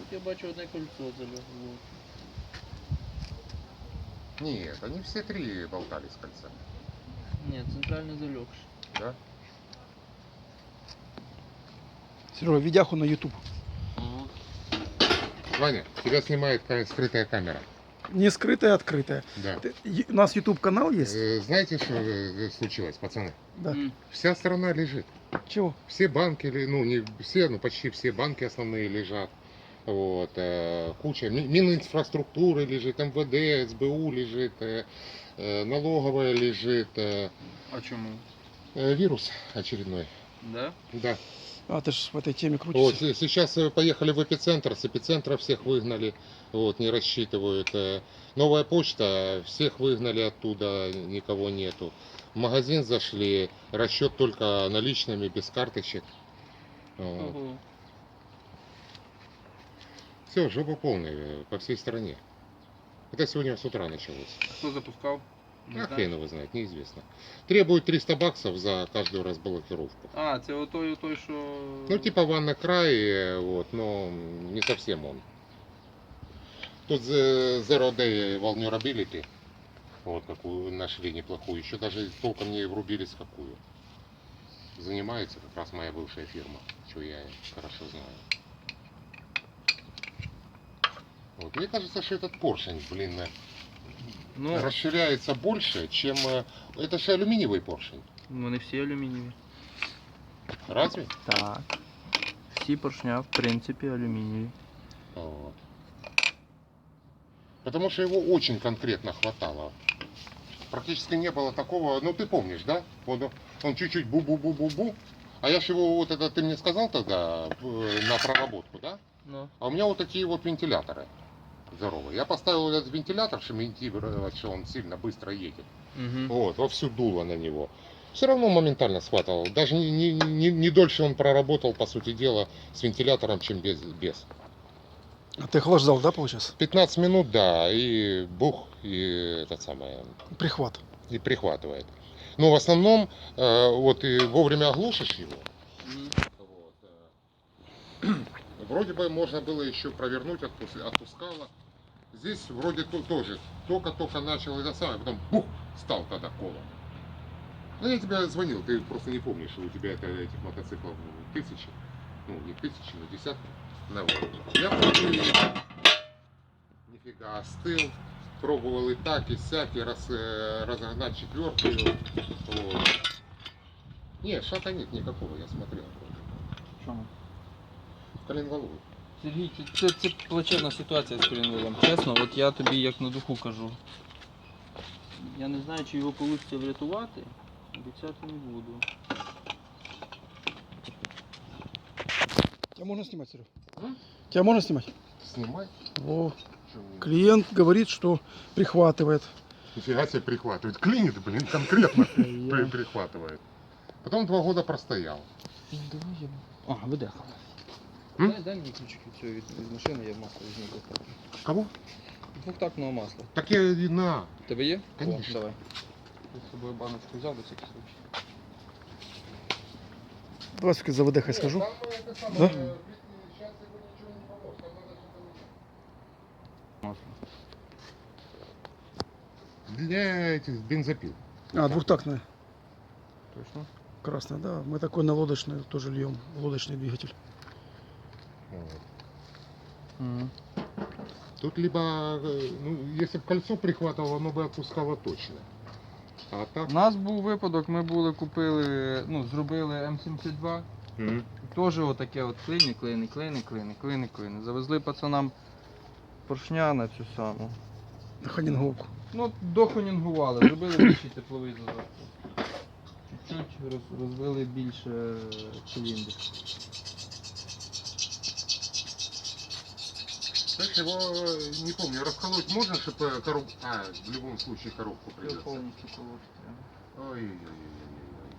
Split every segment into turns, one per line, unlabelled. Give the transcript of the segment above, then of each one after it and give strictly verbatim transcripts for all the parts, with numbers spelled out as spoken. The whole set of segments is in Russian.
я бачу одне кольцо залягло.
Нет, они все три болтались с кольца.
Ні, центральний залегший.
Да?
Серега, видяху на YouTube.
Ваня, тебя снимает ка- скрытая камера.
Не скрытая, а открытая.
Да.
Ты- е- У нас YouTube канал есть?
Э, Знаете, что э, случилось, пацаны?
Да.
М.
Вся страна лежит.
Чего?
Все банки, ли- ну не все, но почти все банки основные лежат. Вот, э, куча ми- Мининфраструктуры лежит, эм вэ дэ, эс бэ у лежит, э, э, налоговая лежит, э,
А чому?
э, вирус очередной.
Да?
Да.
А, ты же в этой теме
Вот,
крутишься.
с- сейчас э, поехали в эпицентр, с эпицентра всех выгнали, вот, не рассчитывают. Э, Новая почта, всех выгнали оттуда, никого нету. В магазин зашли, расчет только наличными, без карточек. Вот.
Ого.
Все, жопа полная э, по всей стране. Это сегодня с утра началось.
Хто запускав? Не
А
знаєш?
хрен его знает, неизвестно. Требуют триста баксов за каждую разблокировку.
А, це отой, отой, що...
Ну, типа ванна край, э, вот, но не совсем он. Тут э, Zero Day Vulnerability, вот какую нашли неплохую, еще даже толком не врубились какую. Занимается как раз моя бывшая фирма, что я хорошо знаю. Вот. Мне кажется, что этот поршень, блин, э,
Ну,
расширяется больше, чем... э, Это же алюминиевый поршень.
вони всі алюмінієві.
Разве?
Так. Всі поршня, в принципі, алюмінієві.
Вот. Потому что его очень конкретно хватало. Практически не было такого, ну ты помнишь, да? Вот он чуть-чуть бу-бу-бу-бу-бу. А я ж его, вот это ты мне сказал тогда, э, на проработку, да?
Ну.
А у меня вот такие вот вентиляторы здоровые. Я поставил этот вентилятор, чтобы имитировать, что он сильно быстро едет.
Угу.
Вот, во всю дуло на него. Все равно моментально схватывал. Даже не, не, не, не дольше он проработал, по сути дела, с вентилятором, чем без. без.
А ты охлаждал, да, получается?
пятнадцать минут, да, и бух, и это самое,
Прихват.
и прихватывает. Но в основном, э, вот и вовремя оглушишь его, вот, э, вроде бы можно было еще провернуть, отпус- отпускало. Здесь вроде то- тоже, только-только начал это самое, потом бух, стал тогда колом. Ну я тебе звонил, ты просто не помнишь, что у тебя это, этих мотоциклов тысячи, ну не тысячи, но десятки. Ну, вот. Я просто нифига остыл, пробовал и так, и сяк, и раз, э, разогнать четвертую. Вот. Не, шата нет никакого, я смотрел.
Чому?
Коленваловый.
Сергій, це, це плачевна ситуація з Корінвелом. Чесно, от я тобі як на духу кажу. Я не знаю, чи його вийде врятувати. Обіцяти не буду.
Тебя можно снимать, Серега?
М?
Тебя можно снимать?
Снимай.
О,
Чё мне-
клиент говорит, что прихватывает.
Нифига себе прихватывает. Клинит, блин, конкретно при- прихватывает. Потом два года простоял.
А, видеха.
М?
Дай, дай мені ключик від цього від, від машини, я масло візьму.
Кого?
Двохтактного масла.
Так я и на.
У тебе є?
Конечно.
О, давай. Я з собою баночку взяв до всяких случаїв.
Давай все-таки за ВД схожу.
Там, э, это самое,
Да?
э, сейчас его ничего не поможет. Там надо что-то
Масло.
менять. Для этих бензопил.
А, двухтактная.
Точно?
Красная, да. Мы такой на лодочный тоже льем. Лодочный двигатель.
Вот.
Угу.
Тут либо, э, ну, если бы кольцо прихватывало, оно бы отпускало точно. А так...
У нас був випадок, ми були купили, ну, зробили М сімдесят два.
Мгм.
Теж отаке от клини, клини, клини, клини, клини, клини. Завезли пацанам поршня на цю саму.
Ханінговку.
Ну, дохонінгували, зробили більший тепловий зазор. Чуть-чуть роз, розвили більше циліндр.
Знаешь, его, э, не помню, расколоть можно, чтобы коробку... А, в любом случае коробку
Все
придется.
повністю колоти треба.
Ой-ой-ой.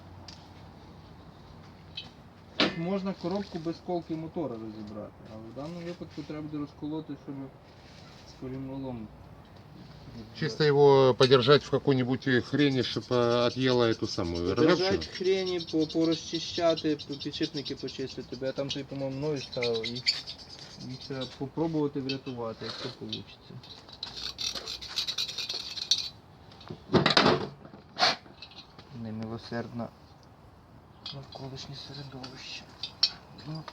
Можна коробку без колки мотора розібрати, але в даному випадку треба буде розколоти, щоб з корінвалом.
Чисто его подержать в какой-нибудь хрени, чтобы отъела эту самую
Держать
ржавчину.
хрені, по- порозчищати, підшипники почистити. Бо я там той, по-моєму, мною ставив і Їх треба попробувати врятувати, якщо вийде. Немилосердна навколишнє середовище. Ну.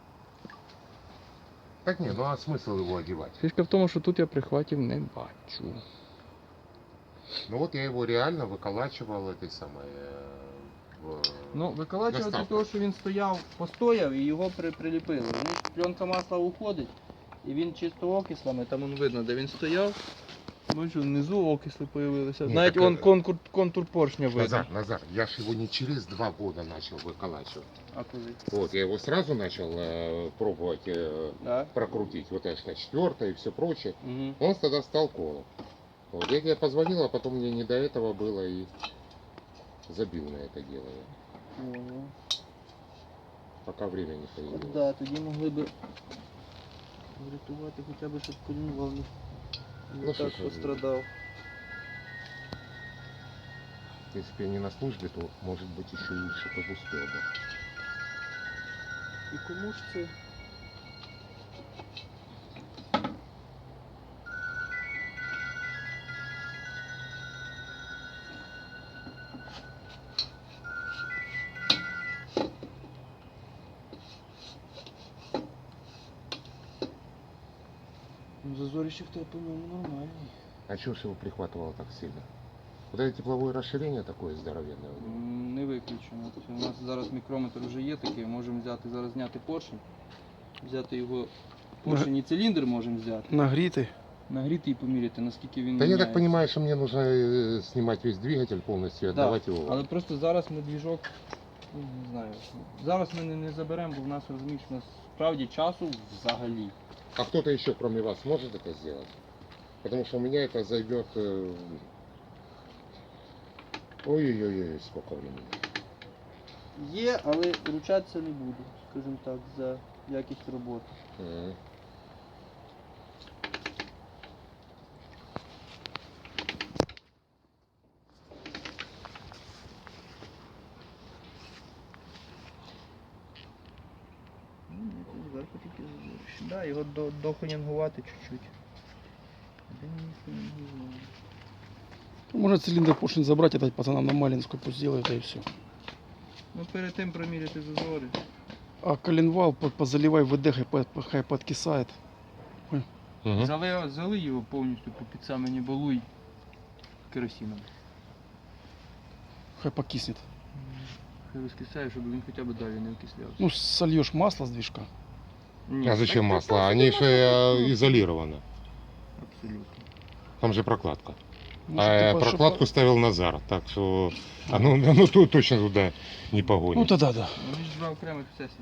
Так не, ну а смысл его одевать?
Фішка в тому, що тут я прихватів не бачу.
Ну вот я его реально выколачивал этой самой... э, в-
Ну, виколачувати
Доставка.
того, що він стояв, постояв і його при, приліпили. Ну, пленка масла уходить, і він чисто окислами, там он видно, де він стояв. Бачу, внизу окисли появилися.
Ні,
Навіть
так,
он
е,
контур, контур поршня видно.
Назар, Назар, я ж его не через два года начал выколачивать.
А коли?
Вот, я его сразу начал э, пробовать э,
Да?
прокрутить, вот это четвертое и все прочее.
Угу.
Он тогда стал колом. Вот, я тебе позвонил, а потом мне не до этого было и забил на это дело. я.
Ого.
Пока время не появилось.
Да, тоді могли б врятувати хоча б, щоб колінвал не, не
Ну, що
так
ж ви.
пострадав.
Если бы я не на службе, то, может быть, еще и что-то бы успел бы.
І кому ж це? Ну, зазорище в тебе, по-моєму, нормальний.
А чего ж его прихватывало так сильно? Вот это тепловое расширение такое здоровенное у него.
М, Не виключено. Тобто у нас зараз мікрометр вже є такий, можемо взяти, зараз зняти поршень, взяти його поршень і циліндр можемо взяти,
Нагрітий.
нагріти і поміряти, наскільки він
Да я так
міняється.
понимаю, что мне нужно э, снимать весь двигатель полностью и
Да,
отдавать его.
Але просто зараз ми двіжок, ну, не знаю, зараз ми не, не заберемо, бо в нас, розумієш, у нас справді часу взагалі.
А кто-то еще кроме вас может это сделать? Потому что у меня это займет... э, Ой-ой-ой, сколько времени.
Є, але ручатися не буду, скажімо так, за якість роботи.
Мгм.
Ну, ні, тут зверху тільки зазорище. Да, його до, дохонянгувати чуть-чуть. Де мені хонянгувати?
Можно цилиндр поршень забрать и дать пацанам на Малинскую, пусть делают, и все.
Ну перед тим проміряти зазори.
А коленвал по- позаливай ВД, хай, по- хай подкисает.
Мгм.
Зали, зали його повністю по під самий неболуй керосином.
Хай покиснет.
Хай розкисає, щоб він хоча б далі не окислявся.
Ну, сольешь масло с движка.
Ні,
А зачем
так,
масло?
так,
Они
так,
же
масло.
э, изолированы.
Абсолютно.
Там же прокладка.
Ну,
А
чтоб
я
ты по-
прокладку
чтоб-
ставил Назар, так что оно, оно то- точно туда не погонит.
Ну тогда да.
Вони ж два окремих сесії.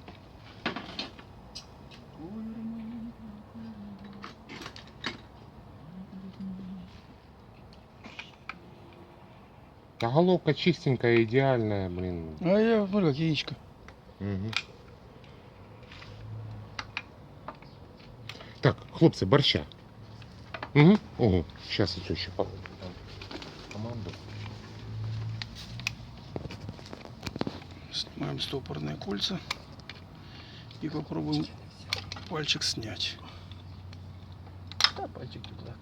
А головка чистенькая, идеальная, блин.
А я, ну как яичко.
Мгм. Так, хлопцы, борща. Угу. Ого, сейчас я еще по- команду.
Снимаем стопорные кольца и попробуем пальчик снять.
Та пальчик тут легко.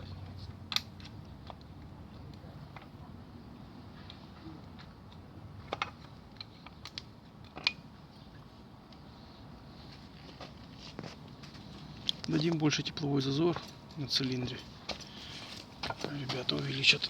Дадим больше тепловой зазор на цилиндре. Ребята увеличат.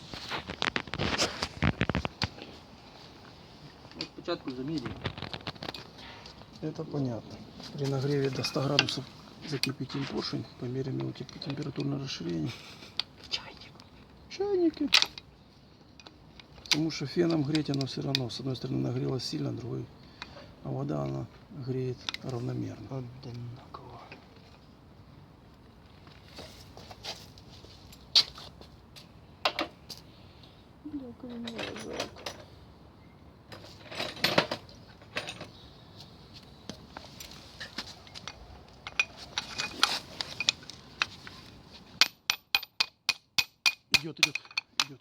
Ну, спочатку замірюємо.
Это понятно. При нагреве до ста градусов закипятим поршень, померяем его теп- температурное расширение.
Чайник.
Чайники. Потому что феном греть оно все равно. С одной стороны нагрелось сильно, другой. А вода она греет равномерно.
Одинаково.
Идет, идет, идет.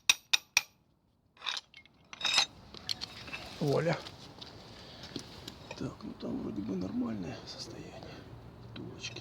Воля. Так, ну там вроде бы нормальное состояние. Тулочки.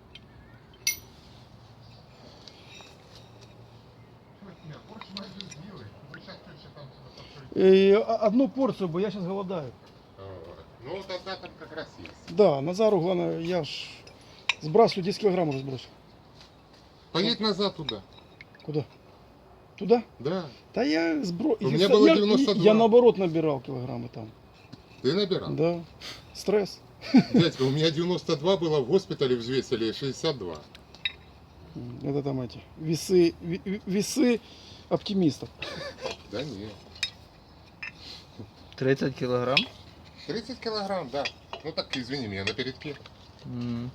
И одну порцию бы, я сейчас голодаю.
Ну, тогда там как раз есть.
Да, Назару, главное, я ж сбрасываю десять килограмм уже сбросил.
Поедь назад туда.
Куда? Туда?
Да.
Да я сбро...
У меня
я,
было
я-
девяносто два.
Я наоборот набирал килограммы там.
Ты набирал?
Да. Стресс.
Дядька, у меня девяносто два было, в госпитале взвесили шестьдесят два.
Это там эти весы, ви- ви- весы оптимистов.
Да нет.
тридцять кілограм?
тридцать килограмм, да. Ну так, извини меня, на передке.
М.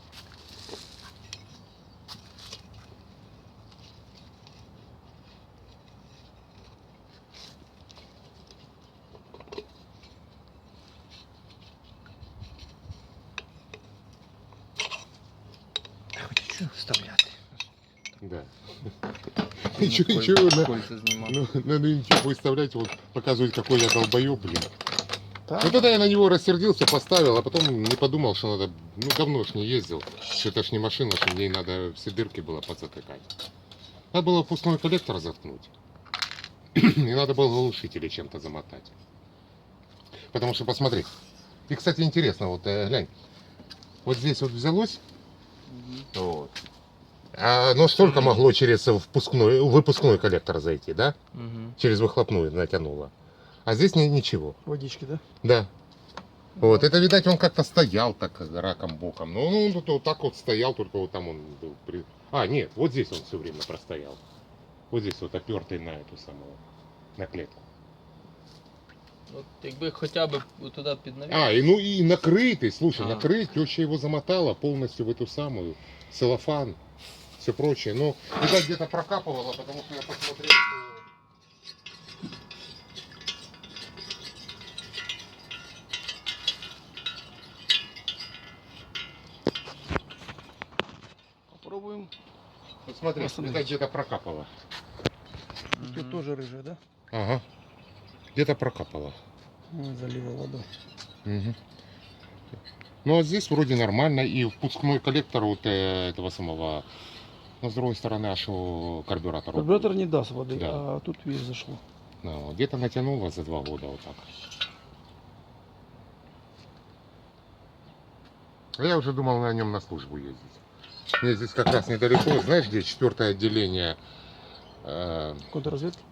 Хочу вставляти.
Да.
Ну,
Ничего,
коль-
ничего, на-
кольця знімав.
Ну, надо ничего выставлять, вот показывать, какой я долбоеб, блин.
Так?
Ну тогда я на него рассердился, поставил, а потом не подумал, что надо, ну давно ж не ездил, что это ж не машина, что мне надо все дырки было подзатыкать. Надо было впускной коллектор заткнуть. И надо было глушители чем-то замотать. Потому что, посмотри, и, кстати, интересно, вот э, глянь, вот здесь вот взялось,
Мгм.
вот, а оно столько могло через впускной, выпускной коллектор зайти, да?
Мгм.
Через выхлопную натянуло. А здесь ни- ничего.
Водички, да?
Да. Вот, это, видать, он как-то стоял так раком боком. Ну, он тут вот так вот стоял, только вот там он был. при- А, нет, вот здесь он все время простоял. Вот здесь вот опертый на эту самую, на клетку.
От якби хоча б туди піднавів.
А, и ну и накрытый, слушай,
А.
накрыть, теща его замотала полностью в эту самую, целлофан, все прочее. Ну, видать, где-то прокапывала, потому что я посмотрел, что...
Попробуем.
Вот смотри,
Посмотри.
видать, где-то прокапала.
Тут
Мгм.
тоже рыжая, да?
Ага, где-то прокапала.
Ну, залила водой.
Мгм. Ну а здесь вроде нормально, и впускной коллектор вот э, этого самого, но с другой стороны, аж у карбюратора.
Карбюратор не даст воды,
Да.
а тут видишь зашло.
Ну, вот где-то натянуло за два года вот так. А я уже думал на нем на службу ездить. Мне здесь как раз недалеко, знаешь, где четвертое отделение э,
Контрразведки?